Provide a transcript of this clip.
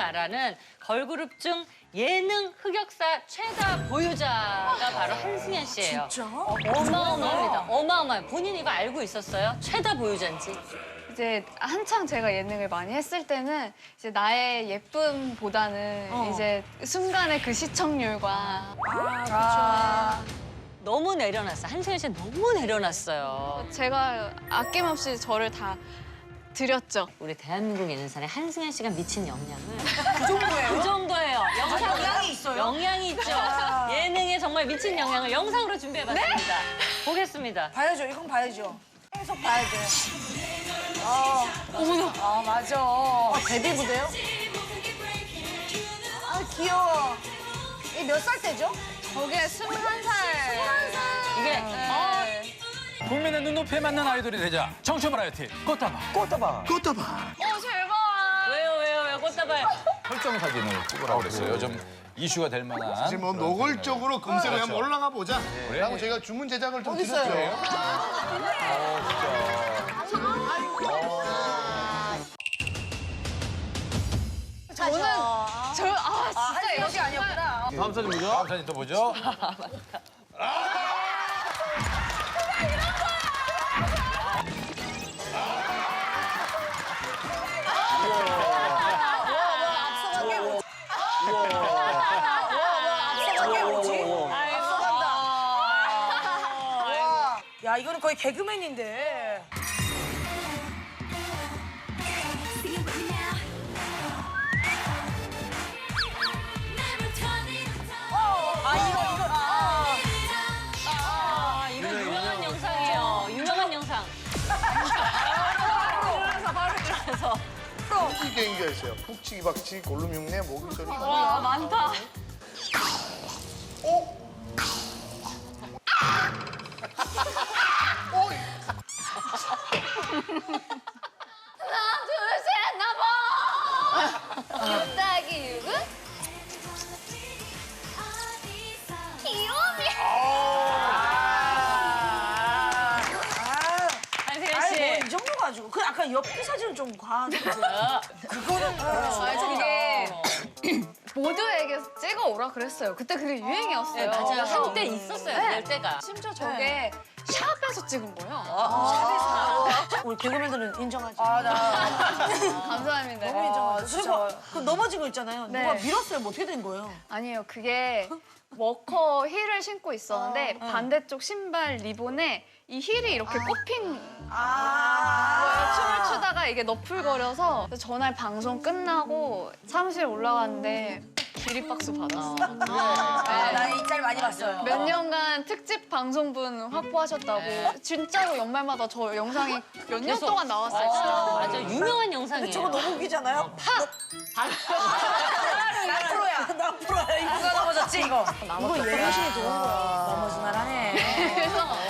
말하는 걸그룹 중 예능 흑역사 최다 보유자가 바로 한승연 씨예요. 진짜? 어마어마합니다. 어마어마해요. 본인 이거 알고 있었어요? 최다 보유자인지? 이제 한창 제가 예능을 많이 했을 때는 이제 나의 예쁨보다는 이제 순간의 그 시청률과 너무 내려놨어. 한승연 씨 너무 내려놨어요. 제가 아낌없이 저를 다 드렸죠. 우리 대한민국 예능산에 한승연 씨가 미친 영향을 그 정도예요? 그 정도예요. 영향이 있어요? 영향이 있죠. 예능에 정말 미친 영향을 영상으로 준비해봤습니다. 보겠습니다. 봐야죠. 이건 봐야죠. 계속 봐야 돼. 어머나. 아, 맞아. 데뷔 무대요? 아, 귀여워. 이게 몇 살 때죠? 저게 21살. 이게 국민의 눈높이에 맞는 아이돌이 되자. 청춘 바라이티 꽃다발. 제발. 왜요 꽃다발. 설정 사진을 찍으라고 그랬어요. 좀 이슈가 될 만한. 이제 뭐 노골적으로 검색을 한번 올라가 보자. 라고 저희가 주문 제작을 좀 어딨어요? 드렸죠. 저는 진짜 이것이 아니었구나. 다음 사진 보죠. 다음 사진 또 보죠. 앞서간 게 뭐지? 앞서간 게 뭐지? 앞서간다. 와. 야, 이거는 거의 개그맨인데. 이거 유명한 영상이에요. 유명한 영상. 그래서 푹치기 게임기가 있어요. 푹치기 박치기 골룸 흉내 모기 소리. 와 많다. 하나 둘셋 나봐. 6 더하기 6은? 귀요미. 한승연 아이, 씨. 뭐이 정도 가지고. 그 아까 옆기 사진은 좀 과한데. 그거는 저게 모두에게 찍어 오라 그랬어요. 그때 그게 유행이었어요. 네, 맞아요. 그래서 한때 있었어요. 네. 그럴 때가. 심지어 저게 샵에서 찍은 거예요. 우리 개그맨들은 인정하지. 감사합니다. 너무 인정하죠. 그리고 그 넘어진 거 있잖아요. 네. 누가 밀었어요? 뭐 어떻게 된 거예요? 아니에요. 그게 워커 힐을 신고 있었는데 반대쪽 신발 리본에 이 힐이 이렇게 꼽힌 거예요. 춤을 추다가 이게 너풀거려서 그래서 전날 방송 끝나고 사무실 올라갔는데 기립박수 받았어요. 나 이 짤 많이 봤어요. 몇 년간 특집 방송분 확보하셨다고 진짜로 연말마다 저 영상이 몇 년 계속. 동안 나왔어요. 진짜. 맞아. 유명한 영상이에요. 저거 너무 웃기잖아요. 나 프로야. 나 프로야. 누가 넘어졌지 이거? 이거 예능신이 좋은 거야. 넘어지만 하네. 그래서